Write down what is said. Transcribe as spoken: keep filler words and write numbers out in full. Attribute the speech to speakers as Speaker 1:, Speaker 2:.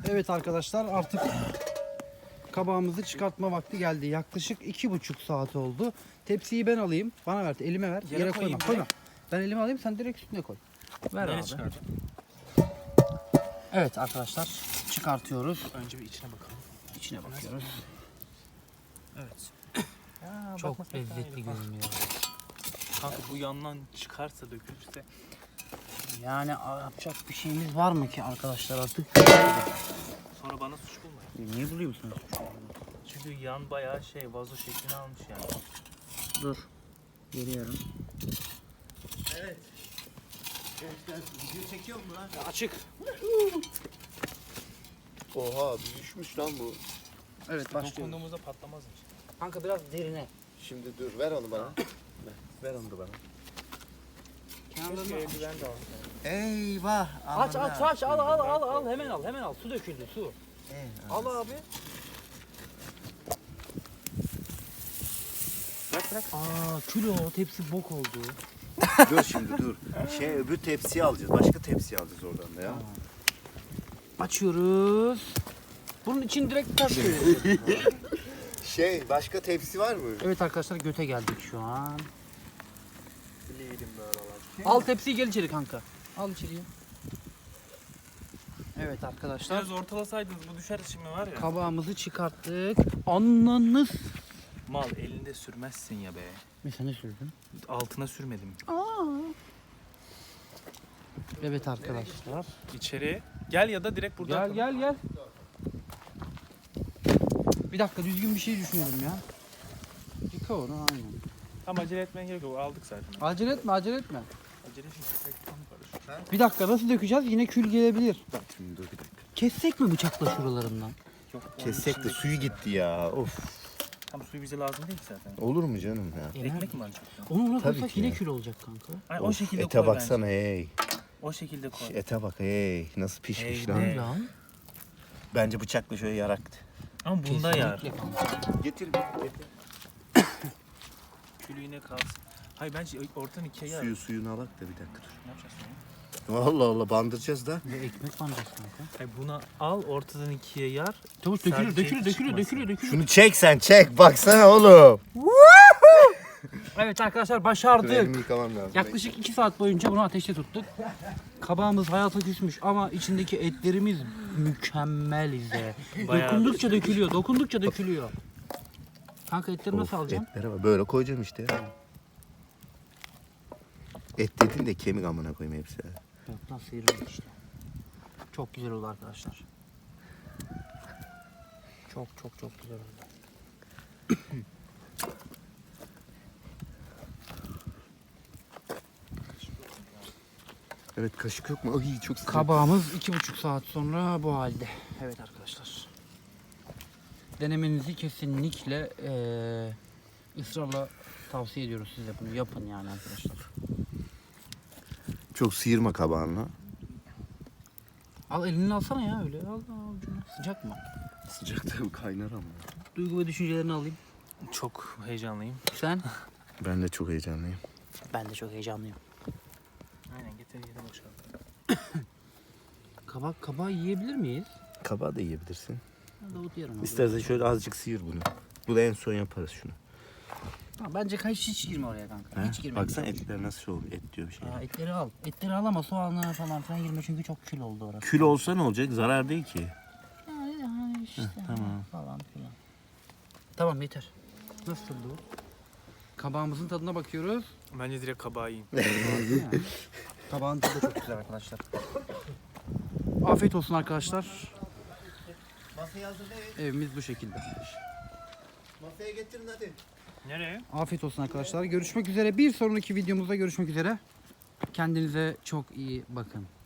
Speaker 1: Evet arkadaşlar, artık kabağımızı çıkartma vakti geldi. Yaklaşık iki buçuk saat oldu. Tepsiyi ben alayım. Bana ver, elime ver.
Speaker 2: Yere
Speaker 1: Yere
Speaker 2: koyayım
Speaker 1: koyma. Koyma.
Speaker 2: direkt.
Speaker 1: Ben elime alayım, sen direkt üstüne koy. Ver
Speaker 2: Nereye
Speaker 1: abi.
Speaker 2: çıkaracağım?
Speaker 1: Evet arkadaşlar, çıkartıyoruz.
Speaker 2: Önce bir içine bakalım.
Speaker 1: İçine bakıyoruz.
Speaker 2: Evet. Ya,
Speaker 1: Çok
Speaker 2: bakmasak daha
Speaker 1: lezzetli
Speaker 2: iyi.
Speaker 1: görünüyor.
Speaker 2: Kanka bu yandan çıkarsa dökülürse.
Speaker 1: Yani yapacak bir şeyimiz var mı ki arkadaşlar artık?
Speaker 2: Sonra bana suç bulmayın.
Speaker 1: Niye buluyor musunuz?
Speaker 2: Çünkü yan bayağı şey vazo şeklini almış yani.
Speaker 1: Dur. Geliyorum.
Speaker 3: Evet. Gençler video çekiyor mu lan?
Speaker 1: Açık.
Speaker 3: Oha düşmüş lan bu.
Speaker 1: Evet başlıyoruz.
Speaker 2: Dokunduğumuzda patlamazmış.
Speaker 1: Kanka biraz derine.
Speaker 3: Şimdi dur ver onu bana. ver, ver onu da bana.
Speaker 1: Kenarlarını
Speaker 2: eldiven de al.
Speaker 3: Eyvah.
Speaker 1: aç aç aç al al al al hemen al hemen al. Su döküldü su. Al abi.
Speaker 2: Bırak bırak.
Speaker 1: Aa kilo tepsi bok oldu.
Speaker 3: Dur şimdi dur. Şey öbür tepsiyi alacağız. Başka tepsiyi alacağız oradan da ya.
Speaker 1: Açıyoruz. Bunun için direkt taş koyuyoruz.
Speaker 3: Şey başka tepsi var mı?
Speaker 1: Evet arkadaşlar, göte geldik şu an.
Speaker 2: Bileydim böyle olacak.
Speaker 1: Al tepsiyi, gel içeri kanka. Al içeriye. Evet arkadaşlar,
Speaker 2: Biraz ortalasaydınız bu düşer şimdi var ya.
Speaker 1: kabağımızı çıkarttık. Ananız.
Speaker 2: Mal elinde sürmezsin ya be.
Speaker 1: Mesela ne sürdün?
Speaker 2: Altına sürmedim.
Speaker 1: Evet arkadaşlar.
Speaker 2: İçeri gel ya da direkt buradan.
Speaker 1: Gel gel gel. Bir dakika, düzgün bir şey düşünelim ya. Yıka onu aynen.
Speaker 2: Tam acele etmeye gerek yok. Aldık zaten.
Speaker 1: Acele etme acele etme.
Speaker 2: Acele şimdi.
Speaker 1: Bir dakika, nasıl dökeceğiz? Yine kül gelebilir.
Speaker 3: Bak şimdi dur bir dakika.
Speaker 1: Kessek mi bıçakla şuralarından?
Speaker 2: Yok.
Speaker 3: Kessek de suyu gitti ya. Of.
Speaker 2: Tam suyu bize lazım değil ki zaten.
Speaker 3: Olur mu canım ya?
Speaker 2: Ekmek mi alacak?
Speaker 1: Onu ona
Speaker 3: Tabii
Speaker 1: koysak
Speaker 3: ki
Speaker 1: yine
Speaker 3: ya.
Speaker 1: kül olacak kanka.
Speaker 2: Ay, o
Speaker 3: Of,
Speaker 2: şekilde
Speaker 3: ete
Speaker 2: koy
Speaker 3: baksana
Speaker 2: bence.
Speaker 3: hey.
Speaker 2: O şekilde koy.
Speaker 3: Şu ete bak hey. Nasıl pişmiş
Speaker 2: Hey,
Speaker 3: lan.
Speaker 2: hey.
Speaker 1: Lan.
Speaker 3: Bence bıçakla şöyle yaraktı.
Speaker 2: Ama bunda yar.
Speaker 1: Kesinlikle kanka.
Speaker 3: Getir getir.
Speaker 2: Külü yine kalsın. Hayır bence ortadan ikiye yar.
Speaker 3: Suyu suyunu alak da bir dakika dur.
Speaker 2: Ne yapacağız sonra?
Speaker 3: Allah Allah bandıracağız da.
Speaker 1: Ve ekmek banacağız kanka.
Speaker 2: Hayır buna al ortadan ikiye yar.
Speaker 1: Çavuş dökülür
Speaker 2: Sadece
Speaker 1: dökülür dökülür
Speaker 2: çıkmasın.
Speaker 1: dökülür dökülür.
Speaker 3: Şunu çek sen çek. Baksana oğlum.
Speaker 1: Evet arkadaşlar,
Speaker 3: Dur,
Speaker 1: başardık.
Speaker 3: elimi yıkamam lazım.
Speaker 1: Yaklaşık iki saat boyunca bunu ateşte tuttuk. Kabağımız hayata küsmüş ama içindeki etlerimiz mükemmel izle.
Speaker 2: Bayağı-
Speaker 1: Dokundukça dökülüyor, dokundukça dökülüyor. Kanka etleri nasıl
Speaker 3: Of,
Speaker 1: alacağım?
Speaker 3: etlere bak. Böyle koyacağım işte ya. Et dedin de kemik amına koyayım hepsi.
Speaker 1: Yok lan, sıyrıldı işte. Çok güzel oldu arkadaşlar. Çok çok çok güzel oldu.
Speaker 3: Evet kaşık yok mu? Ay çok sıcak.
Speaker 1: Kabağımız iki buçuk saat sonra bu halde. Evet arkadaşlar. Denemenizi kesinlikle eee ısrarla tavsiye ediyoruz size, bunu yapın yani arkadaşlar.
Speaker 3: Çok sıyırma kabağını.
Speaker 1: Al elini alsana ya, öyle al al ucunu. Sıcak mı?
Speaker 3: Sıcak tabii kaynar ama.
Speaker 1: Duygu ve düşüncelerini alayım.
Speaker 2: Çok heyecanlıyım.
Speaker 1: Sen?
Speaker 3: Ben de çok heyecanlıyım.
Speaker 1: Ben de çok heyecanlıyım.
Speaker 2: Aynen getir yedim boşalt.
Speaker 1: Kabak kabağı yiyebilir miyiz?
Speaker 3: Kabağı da yiyebilirsin.
Speaker 1: Davut yerim abi.
Speaker 3: İstersen şöyle azıcık sıyır bunu. Bu da en son yaparız şunu.
Speaker 1: Ha, bence hiç hiç girme oraya kanka.
Speaker 3: He?
Speaker 1: Hiç girme.
Speaker 3: Baksana etler nasıl oldu? Et diyor bir şey.
Speaker 1: Aa, etleri al. Etleri al ama soğanı falan filan girme, çünkü çok kül oldu orası.
Speaker 3: Kül olsa ne olacak? Zarar değil ki.
Speaker 1: Yani, yani işte
Speaker 3: tamam.
Speaker 1: falan filan. Tamam yeter. Nasıl bu? Kabağımızın tadına bakıyoruz.
Speaker 2: Bence direkt kabağı yiyin.
Speaker 1: Kabağın tadı çok güzel arkadaşlar. Afiyet olsun arkadaşlar.
Speaker 3: Masaya hazır değil.
Speaker 1: Evimiz bu şekilde.
Speaker 3: Masaya getirin hadi.
Speaker 2: Nereye?
Speaker 1: Afiyet olsun arkadaşlar. Görüşmek üzere. Bir sonraki videomuzda görüşmek üzere. Kendinize çok iyi bakın.